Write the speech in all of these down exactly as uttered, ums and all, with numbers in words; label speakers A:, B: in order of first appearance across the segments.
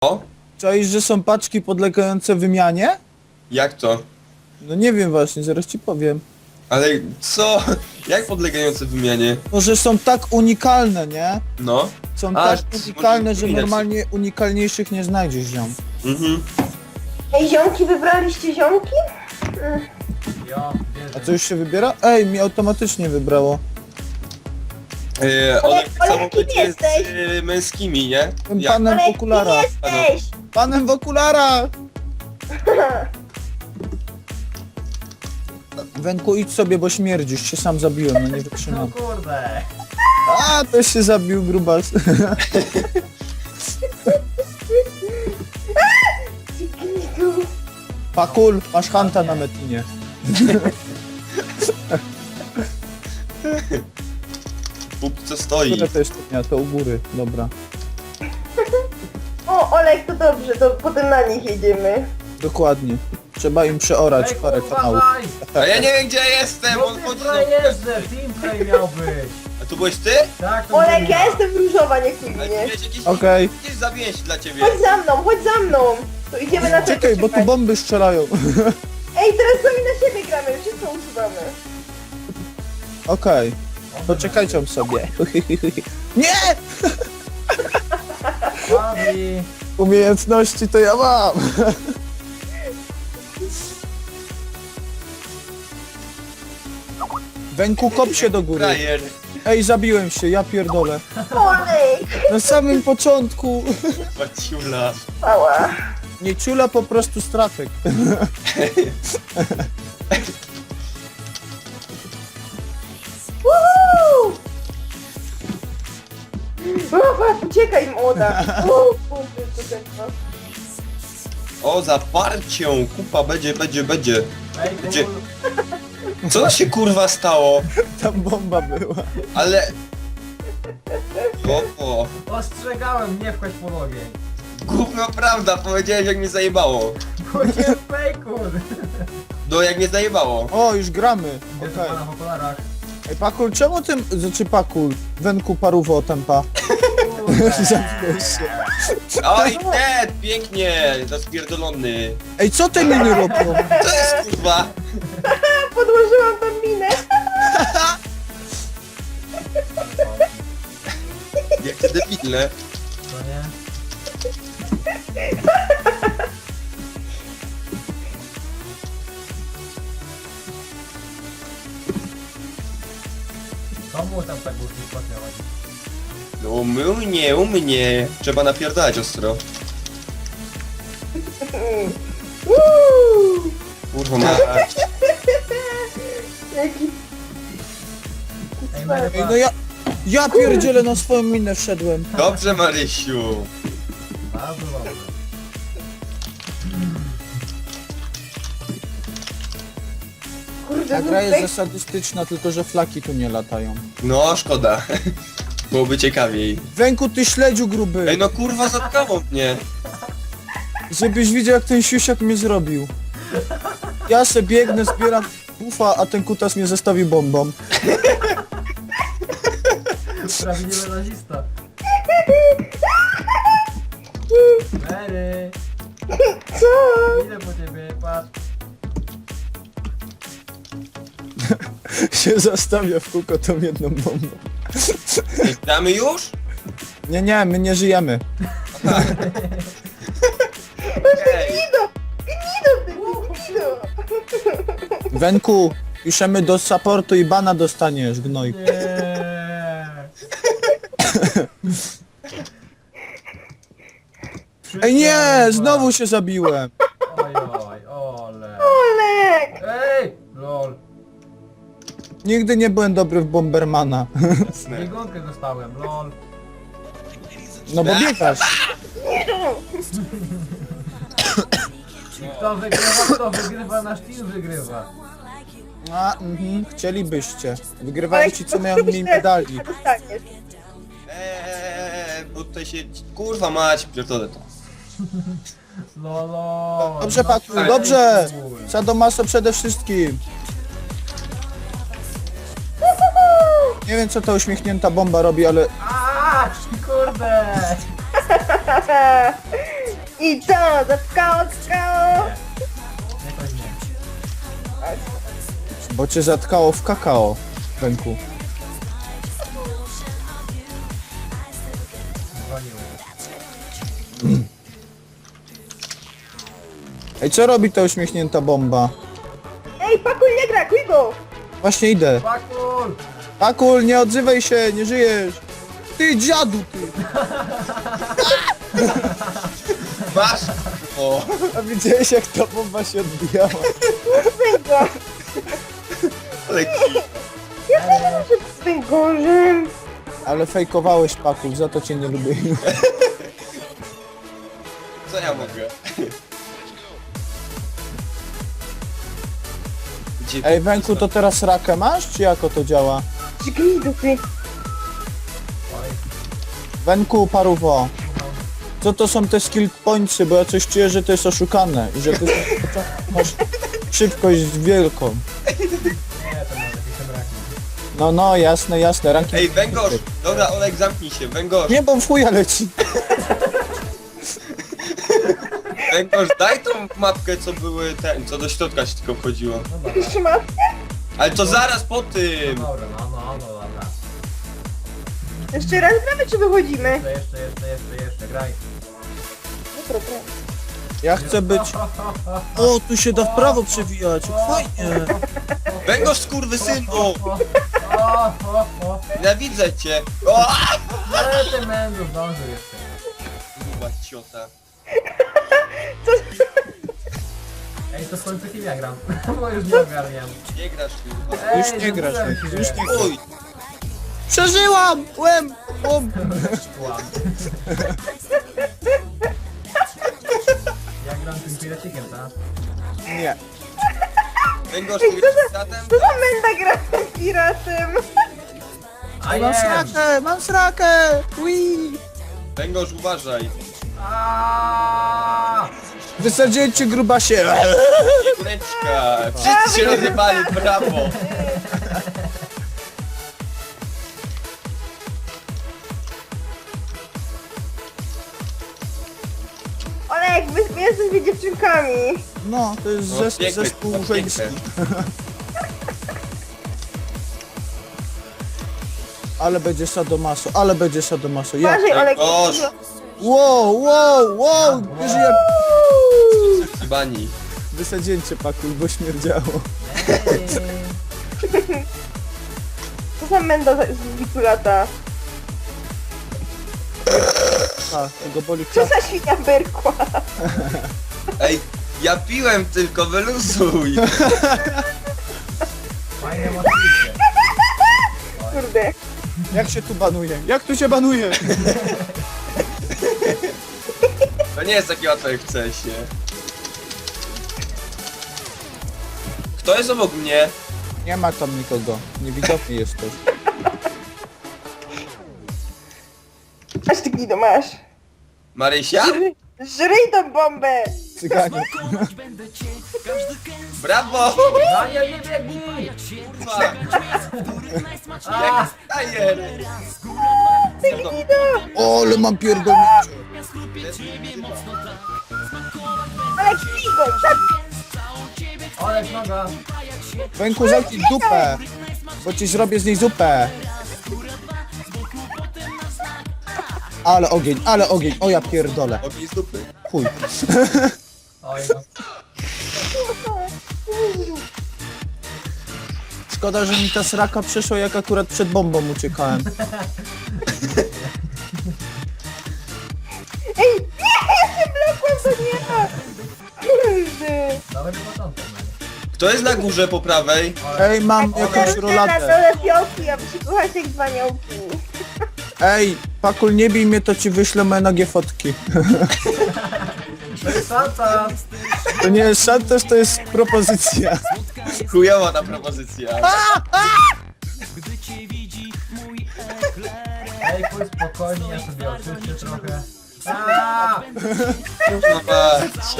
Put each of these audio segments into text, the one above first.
A: O?
B: Czaisz, że są paczki podlegające wymianie?
A: Jak to?
B: No nie wiem właśnie, zaraz ci powiem.
A: Ale co? Jak podlegające wymianie?
B: Może są tak unikalne, nie?
A: No.
B: Są
A: A,
B: tak
A: może
B: unikalne, że
A: wymieniać.
B: normalnie unikalniejszych nie znajdziesz, ziom.
A: Mhm.
C: Ej, ziomki, wybraliście ziomki? Mm.
D: Ja,
B: A co już się wybiera? Ej, mi automatycznie wybrało.
A: Yy, one
C: Olek,
A: tak samo
C: Olek, kim
A: będzie
C: jesteś?
A: z y, męskimi, nie?
B: Tym
A: Jak?
B: panem
C: Ale
B: w okularach.
C: kim jesteś?
B: Panem w okularach! Wenku, idź sobie, bo śmierdzisz. Się sam zabiłem, no nie
D: no
B: wytrzymam.
D: kurde.
B: A, też się zabił, grubas. Pakul, masz hanta na metinie.
A: Bób co stoi.
B: Które to jest stopnia? To u góry, dobra.
C: O, Olek, to dobrze, to potem na nich jedziemy.
B: Dokładnie. Trzeba im przeorać
D: Ej,
B: parę
D: kurwa,
B: kanałów.
D: daj!
A: A ja nie wiem gdzie ja jestem,
D: No
A: on
D: ty
A: chodzi do...
D: frajerze, teamplay miał być.
A: A tu byłeś ty?
D: Tak, to
C: Olek,
D: byłem
C: ja jestem różowa, nie
A: Ale tu
C: kujnie.
A: miałeś jakieś...
B: Okej.
A: Gdzieś zabiję się dla ciebie.
C: Chodź za mną, chodź za mną. To idziemy na to.
B: Czekaj, bo tu bomby strzelają.
C: Ej, teraz sami na siebie gramy, wszystko usuwamy.
B: Okej. Poczekajcie sobie. Nie!
D: Fabi.
B: Umiejętności to ja mam. Węku, kop się do góry.
A: Frajer.
B: Ej, zabiłem się, ja pierdolę.
C: Olek!
B: Na samym początku.
A: Paciula.
C: Pała.
B: Nie ciula, po prostu stratek.
C: Woohoo! O, patrz, uciekaj, młoda. O, kurde, to tętno.
A: O, zaparcią. Kupa będzie, będzie, będzie.
D: Ej,
A: Gdzie?
D: kul.
A: Co się kurwa stało?
B: Tam bomba była.
A: Ale... O, o.
D: Ostrzegałem, nie wchodź po ogień.
A: Gówno prawda, powiedziałeś jak mnie zajebało.
D: Chodziłem fejku.
A: No jak mnie zajebało.
B: O, już gramy.
D: Gdzie
B: Okej.
D: okay. pana w okularach?
B: Ej, Pakul, czemu tym... Znaczy Pakul. Węku paruwo tempa. Zamknąłeś się.
A: Oj, Ted, pięknie, zaspierdolony.
B: Ej, co te miny robią?
A: Co jest kurwa?
C: Podłożyłam tam minę.
A: Jakie debilne.
D: To nie? Komu tam tak głośno płatniało?
A: No u mnie, u mnie. Trzeba napierdalać ostro.
C: Uuu!
A: Kurwa mać.
C: Jaki...
D: Ej,
B: Ej,
D: Merywa.
B: no ja... Ja pierdzielę na swoją minę wszedłem.
A: Dobrze Marysiu.
D: Bardzo dobrze.
C: Kurde,
B: Ta gra jest
C: znów
B: zasadystyczna, tylko że flaki tu nie latają.
A: No szkoda. Byłoby ciekawiej.
B: Węku, ty śledziu gruby.
A: Ej no kurwa zatkało mnie.
B: Żebyś widział, jak ten siusiak mnie zrobił. Ja se biegnę, zbieram bufa, a ten kutas mnie zostawi bombą.
D: Prawdziwy nazista. Mary.
C: Co?
D: Idę po ciebie, patrz.
B: Się zastawia w kółko tą jedną bombą.
A: Gramy już?
B: Nie, nie, my nie żyjemy.
A: Ej.
C: Gnido! Gnido, ty gnido!
B: Węku, piszemy do supportu i bana dostaniesz, gnoj.
D: Nie.
B: Ej nie, znowu się zabiłem.
D: Oj, oj, ole.
C: Olek!
D: Ej, lol.
B: Nigdy nie byłem dobry w Bombermana.
D: Biegunkę dostałem, lol.
B: No bo biegasz.
D: Kto wygrywa, kto wygrywa, nasz team wygrywa.
B: A, mhm, chcielibyście. Wygrywają ci, co mają mniej medali.
C: Dostaniesz.
A: Eee, bo tutaj się... Kurwa mać, pierdolę to.
D: Lolo.
B: Dobrze,
D: no
B: Paku,
D: ej,
B: dobrze.
D: kur.
B: Sadomaso przede wszystkim. Nie wiem, co ta uśmiechnięta bomba robi, ale
D: A, kurde.
C: I co? Zatkało, zatkało.
D: Jakoś nie.
B: Bo cię zatkało w kakao, Wenku.
D: Dzwoniły.
B: Ej, co robi ta uśmiechnięta bomba?
C: Ej, Pakul nie gra, kuj go!
B: Właśnie idę.
D: Pakul!
B: Pakul, nie odzywaj się, nie żyjesz. Ty dziadu, ty.
A: Masz! O!
B: A widziałeś jak ta bomba się odbijała?
C: Kuj go!
A: Ale
C: Ja nie wiem, że z tym gorzem.
B: Ale fejkowałeś, Pakul, za to cię nie lubię.
A: co ja mogę? Gdzie...
B: Ej, Wenku, to teraz rakę masz, czy jako to działa?
C: Żgij dupy.
D: Oj.
B: Wenku, paruwo. Co to są te skill pointsy, bo ja coś czuję, że to jest oszukane i że ty masz szybkość wielką.
D: Nie, to może jakieś braknie.
B: No, no, jasne, jasne, ranking.
A: Ej, węgorz! Dobra, Olek, zamknij się, węgorz!
B: Nie, bo w chuja leci.
A: Węgorz, daj tą mapkę, co były ten, co do środka się tylko wchodziło.
D: No dobra.
C: Jeszcze ma?
A: Ale to zaraz po tym!
D: Dobra, no, no, no, dobra.
C: Jeszcze raz gramy, czy wychodzimy?
D: Jeszcze, jeszcze, jeszcze, jeszcze, jeszcze, graj.
C: Dobra, dobra.
B: Ja chcę być... O, tu się da w prawo przewijać, fajnie.
A: Węgorz, skurwysynu!
D: O, o, o.
A: Nienawidzę cię! O!
D: Ale ty mędu zdążył jeszcze.
A: Kurwa, ciota.
D: Ej, to w końcu kim ja gram? Bo już nie ogarniam.
A: Nie grasz, kurwa.
D: Ej,
B: Już nie grasz,
D: zapisałem
B: Wenku,
D: się.
B: już nie grasz.
A: Oj!
B: Przeżyłam! Łem! Łom!
D: Łam. Ja gram tym piracikiem, tak?
B: Nie.
A: Węgorz, ty grasz z tatem?
C: Co za menda gra z piratem?
D: A
B: Mam
D: jem!
B: srakę, mam srakę! Ui!
A: Węgorz, uważaj!
D: Aaaa!
B: Wysadziłem cię, grubasie!
A: Kureczka! Wszyscy się rozjebali, brawo!
C: Olek, wy, wy jesteśmy dziewczynkami.
B: No, to jest
A: No,
B: zes
A: piękne,
B: zespół
A: piękne.
B: żeński. Ale będzie sadomaso, ale będzie sadomaso. Ja.
C: Uważaj, Olek.
A: Boż.
B: Wow, wow, wow! Wiesz, jak
A: Bani.
B: wysadziłem cię, Pakuj, bo śmierdziało.
C: Co za menda z z Wikulata?
B: A, tego boli
C: Co
B: klas.
C: za świnia berkła?
A: Ej, ja piłem tylko, wyluzuj!
D: Fajne motywicie.
C: Kurde.
B: Jak się tu banuje? Jak tu się banuje?
A: To nie jest takie łatwe jak chce się. Kto jest obok mnie?
B: Nie ma tam nikogo. Niewidoczny jesteś.
C: Aż ty gido masz.
A: Marysia?
C: Żry- Żryj tą bombę!
B: Cyganie.
A: Brawo!
D: Daniel, nie biegnij!
A: Kurwa! Jak stajer!
C: Ty gido!
B: O, ale mam pierdolnięcie.
C: Olek, gigo! Tak!
D: Olek, noga!
B: Węku, zamknij dupę. Bo ci zrobię z niej zupę. Ale ogień, ale ogień. O, ja pierdolę.
A: Ogień z dupy.
B: Chuj.
D: Oj, no.
B: Szkoda, że mi ta sraka przeszła, jak akurat przed bombą uciekałem.
C: Ej, nie! Ja się wlekłem do nieba! Kurde!
D: Dobry początek, no.
A: Kto jest na górze po prawej?
B: Ej, mam jakąś
C: Jestem na
B: rolatę.
C: dole fiołki, aby się kochać jak dwa aniołki.
B: Ej, Pakul, nie bij mnie, to ci wyślę moje nagie fotki.
D: To jest Santa!
B: To nie jest szantaż, to jest propozycja.
A: Chujowa ta propozycja.
D: Ej, pójdź spokojnie, ja sobie oczyszczę trochę. Aaaa!
A: Kurwa mać.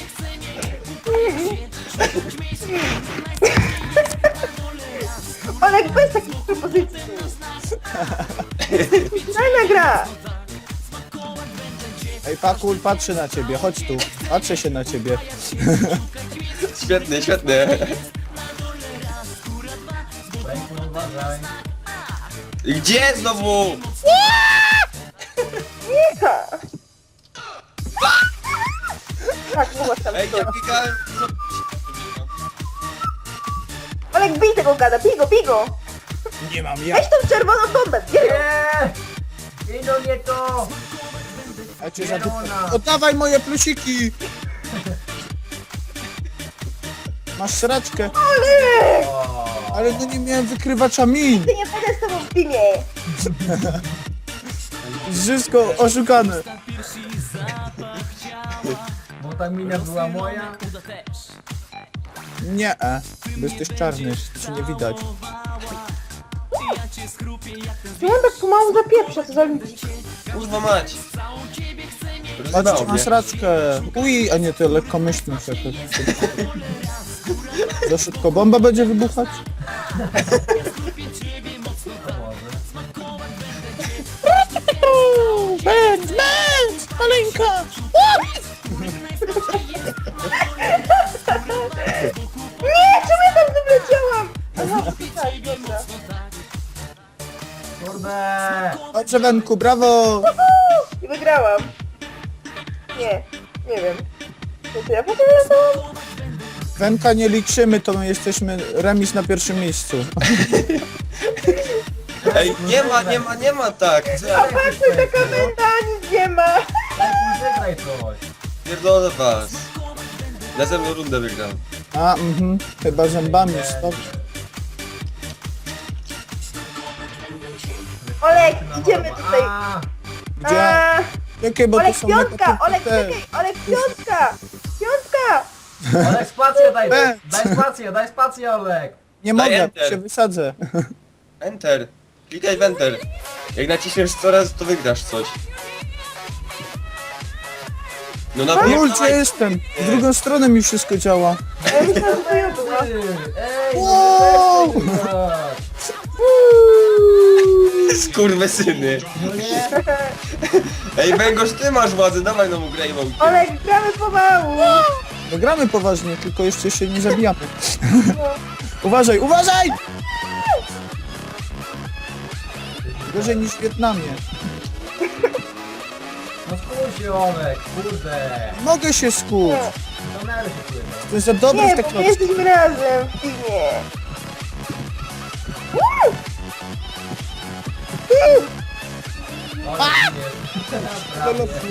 C: Olek, bez takich propozycji. Fajna gra!
B: Ej, Pakul, patrzę na ciebie, chodź tu. Patrzę się na ciebie.
A: Świetny, świetny.
D: Pejku, uważaj.
A: Gdzie znowu?
C: Tak, mogłaś tam
A: Ej,
C: stać.
A: ja klikałem...
C: Olek, bij tego gada, bij go, bij go!
B: Nie mam ja.
C: Weź tą czerwoną bombę, bierz ją!
D: Nie! Idą nie to!
B: A cię za
D: Zielona.
B: Oddawaj moje plusiki! Masz sraczkę.
D: O,
B: Ale no nie miałem wykrywacza min.
C: Ty nie będę z tobą w teamie!
B: Wszystko oszukane.
D: bo ta mina była moja.
B: Nie, e, bo jesteś czarny, ci nie widać.
C: Ja tak pomału zapieprza, co za ludzi.
A: Kurwa mać.
B: Patrz,
A: Rozjebało
B: masz
A: mnie.
B: sraczkę. Uj, a nie, to lekkomyślność jakoś. Za szybko bomba będzie wybuchać? Będz, będz, maleńka!
C: Nie, czemu ja tam wleciałam? Aha, tak, dobra.
D: Kurde!
B: Dobrze, Wenku, brawo!
C: I wygrałam. Nie, nie wiem. Co to ja potem latałam?
B: Wenka nie liczymy, to my jesteśmy remis na pierwszym miejscu.
A: Ej, nie ma, nie ma, nie ma tak. Co
C: A
A: ja
C: patrz, taka menda, nic nie ma.
D: Pejku, zagraj coś.
A: pierdolę was. Następną rundę wygram.
B: A, mhm, chyba zębami, stop.
C: Olek, idziemy tutaj.
D: A,
B: Gdzie?
C: A,
B: Jakie, bo to
C: Olek,
B: są
C: piątka,
B: negatywne
C: Olek,
B: te.
C: czekaj, Olek, piątka. Piątka.
D: Olek, spację daj!
B: Będz.
D: Daj spację, daj spację, Olek!
B: Nie
A: Daj
B: mogę,
A: enter.
B: się wysadzę.
A: Enter. Klikaj w enter. Jak naciśniesz coraz, to wygrasz coś. No na
B: Ul, gdzie jestem? W drugą stronę mi wszystko działa.
C: Ja myślałam, że to ja była.
D: Ty, ej,
B: Wow.
D: no nie tak.
A: Skurwysyny.
D: No nie,
A: Ej, Węgorz, ty masz władzę, dawaj nam graj w aucie.
C: Olek, gramy pomału.
B: No gramy poważnie, tylko jeszcze się nie zabijamy. Uważaj, uważaj! Gorzej niż w Wietnamie.
D: no skuj się, Olek, kurde.
B: Mogę się skuć.
D: Kamery się czuję.
B: To jest za dobry
C: Nie,
B: w te
C: bo my
B: klocki.
C: jesteśmy razem w teamie.
D: Olek, nie.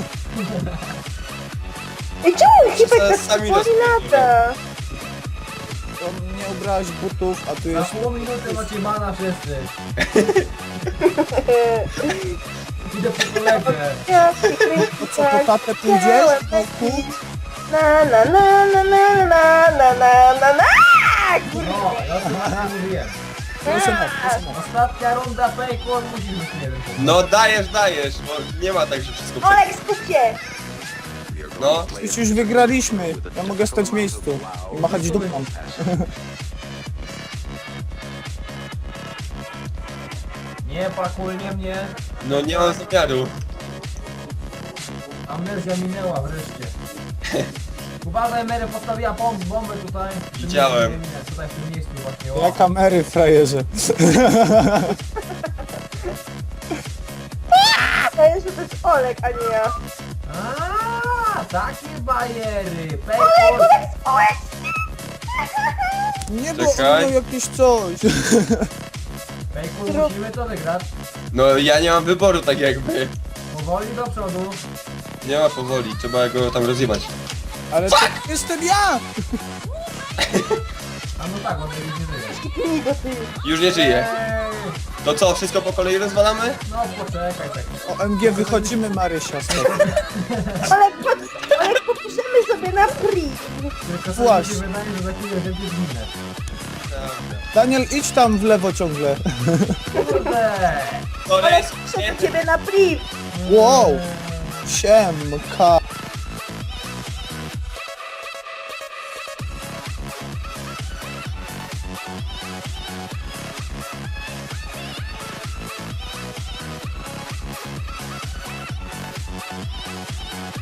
C: Ej, czemu Hipek tak
A: Sami
C: powoli lata?
B: To nie ubrałeś butów, a tu
D: Na
B: jest...
D: pół minuty macie mana wszyscy. Idę po kolegę.
C: Ja się kręcę
B: Co, po tatę pójdziesz?
C: chciałem
B: Wąku?
C: lecieć. Na na na na na na na na na na. Kurde.
D: No, ja to właśnie mówiłem.
B: Proszę na, proszę na.
D: Ostatnia runda Pejku, on musi być nie wiem.
A: No dajesz, dajesz, bo nie ma tak, że wszystko prze...
C: Olek, skup się.
A: No,
B: Już już wygraliśmy. Ja mogę stać w miejscu i machać dupą.
D: Nie pakuj, nie mnie.
A: no nie mam zamiaru.
D: Amnezja minęła wreszcie. Uważaj, Mary postawiła bomb, bombę tutaj. W tym
A: Widziałem.
D: miejscu, nie, nie, tutaj w tym miejscu właśnie. O.
B: Ja kamery, frajerze.
C: Ja jeszcze to jest Olek, a nie ja.
D: A, takie bajery.
C: Olek,
D: Pejku,
C: Olek, Olek.
B: Nie, bo on
A: Czekaj.
B: miał jakieś coś.
D: Pejku, musimy to wygrać.
A: No ja nie mam wyboru tak jakby.
D: Powoli do przodu.
A: Nie ma powoli, trzeba go tam rozjebać.
B: Ale to jestem ja!
D: A no tak, on już nie żyje.
C: Nie go ty.
A: Już nie żyje.
D: Ej,
A: To co, wszystko po kolei rozwalamy?
D: no poczekaj tak.
B: O M G wychodzimy, Marysia, stop.
C: Olek, pod, Olek, popiszemy sobie na free.
D: Tylko sobie
B: Właśnie.
D: się wydaje, że za chwilę będzie zginę.
B: Daniel, idź tam w lewo ciągle.
D: Kurde!
A: To
C: Olek,
A: jest...
C: piszemy ciebie na free.
B: Wow! Siemka.